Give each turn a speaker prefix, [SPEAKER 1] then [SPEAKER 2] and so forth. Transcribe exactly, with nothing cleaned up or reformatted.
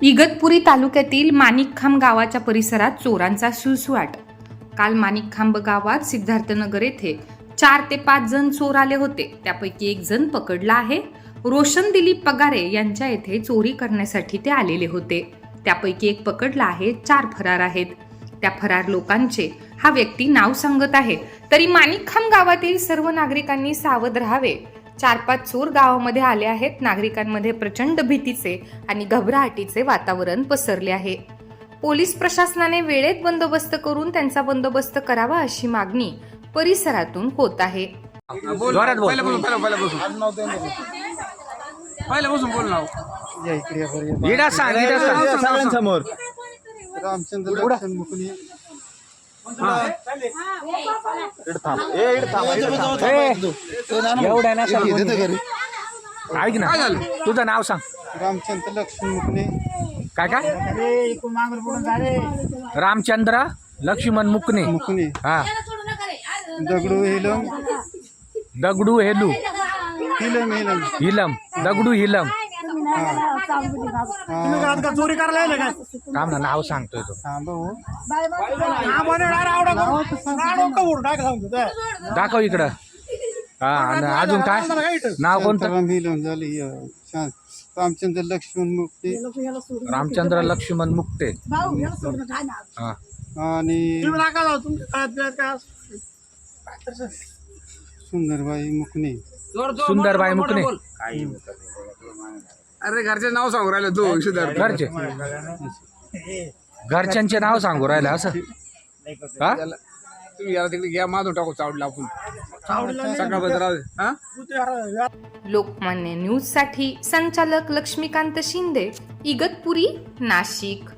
[SPEAKER 1] इगतपुरी तालुक्यातील माणिकखांब गावाच्या परिसरात चोरांचा सुळसुळाट। काल माणिकखांब गावात सिद्धार्थनगर येथे चार ते पाच जण चोर आले होते। त्यापैकी एक जण पकडला आहे। रोशन दिलीप पगारे यांच्या येथे चोरी करण्यासाठी ते आलेले होते। त्यापैकी एक पकडला आहे, चार फरार आहेत। त्या फरार लोकांचे हा व्यक्ती नाव सांगत आहे। तरी माणिकखांब गावातील सर्व नागरिकांनी सावध राहावे। चार पाच चोर गावामध्ये आले आहेत। नागरिकांमध्ये प्रचंड भीतीचे आणि घबराहटीचे वातावरण पसरले आहे। पोलीस प्रशासनाने वेळेत बंदोबस्त करून त्यांचा बंदोबस्त करावा अशी मागणी परिसरातून होत आहे।
[SPEAKER 2] जोरात बोल। पहिलं बसून बोल ना। इडा सांग, इडा सांग
[SPEAKER 3] सगळ्यांसमोर
[SPEAKER 4] रामचंद्र लक्ष्मण मुकणे
[SPEAKER 2] एवढा ना ऐक ना, तुझं नाव सांग।
[SPEAKER 4] रामचंद्र लक्ष्मण मुकणे
[SPEAKER 2] काय काय? रामचंद्र लक्ष्मण मुकणे
[SPEAKER 4] मुकणे
[SPEAKER 2] हा।
[SPEAKER 4] दगडू हेलम
[SPEAKER 2] दगडू हेलू
[SPEAKER 4] हिलम हिलम
[SPEAKER 2] हिलम दगडू हिलम
[SPEAKER 3] चोरी करायला
[SPEAKER 2] थांब ना, नाव सांगतोय तो।
[SPEAKER 4] हा भाऊ
[SPEAKER 2] दाखव इकडं। हा, आणि अजून काय नाव कोणतं?
[SPEAKER 4] राम हिलम झाली रामचंद्र लक्ष्मण मुकणे
[SPEAKER 2] रामचंद्र लक्ष्मण मुक्ते हा।
[SPEAKER 4] आणि सुंदरबाई मुकणे
[SPEAKER 2] सुंदरबाई मुकणे।
[SPEAKER 5] अरे घरचे नाव सांगू राहिले तू सिद्धार्थ।
[SPEAKER 2] घरचे घरच्यांचे नाव सांगू राहिले असं हा?
[SPEAKER 5] तुम्ही याला तिकडे घ्या, माधून टाकू चावडला आपण सकाळपर्यंत राहू दे। हा
[SPEAKER 1] लोकमान्य न्यूज साठी संचालक लक्ष्मीकांत शिंदे, इगतपुरी, नाशिक।